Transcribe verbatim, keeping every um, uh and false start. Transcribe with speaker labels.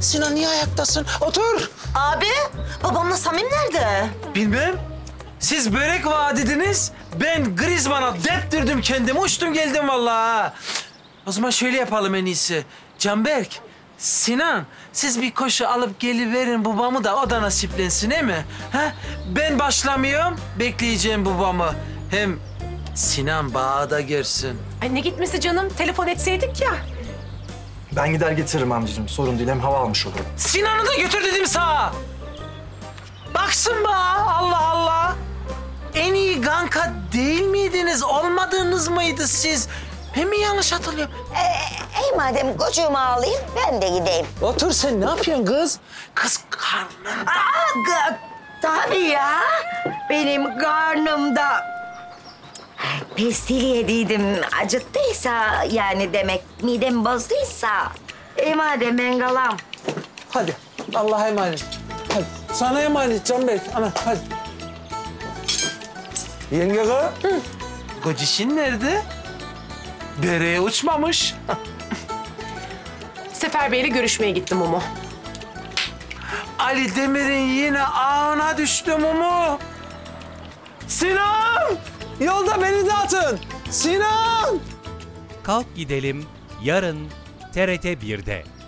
Speaker 1: Sinan niye ayaktasın? Otur.
Speaker 2: Abi, babamla Samim nerede?
Speaker 1: Bilmem. Siz börek vaat ediniz. Ben Griezmann'a deptirdim kendimi. Uçtum geldim vallahi. O zaman şöyle yapalım en iyisi. Canberk, Sinan, siz bir koşu alıp geliverin babamı da o da nasiplensin, değil mi? Ha? Ben başlamıyorum, bekleyeceğim babamı. Hem Sinan bağı da görsün.
Speaker 3: Ay ne gitmesi canım? Telefon etseydik ya.
Speaker 4: Ben gider getiririm amcacığım. Sorun değil. Hem hava almış olurum.
Speaker 1: Sinan'ı da götür dedim sana. Baksın bağa, Allah Allah. En iyi ganka değil miydiniz? Olmadınız mıydı siz? Ben mi yanlış hatırlıyorum?
Speaker 2: Ee, ey madem kocuğumu alayım, ben de gideyim.
Speaker 1: Otur sen, ne yapıyorsun kız? Kız karnında.
Speaker 2: Aa, tabii ya. Benim karnımda pestil yediydim. Acıttıysa yani demek, midem bozduysa. Ey madem ben kalam.
Speaker 1: Hadi, Allah'a emanet. Hadi, sana emanet Canberk. Ana, hadi.
Speaker 4: Yenge kız.
Speaker 1: Gocişin nerede? Bereye uçmamış.
Speaker 3: Sefer Bey'le görüşmeye gittim Mumu.
Speaker 1: Ali Demir'in yine ağına düştü Mumu. Sinan! Yolda beni de atın. Sinan!
Speaker 5: Kalk Gidelim yarın T R T bir'de.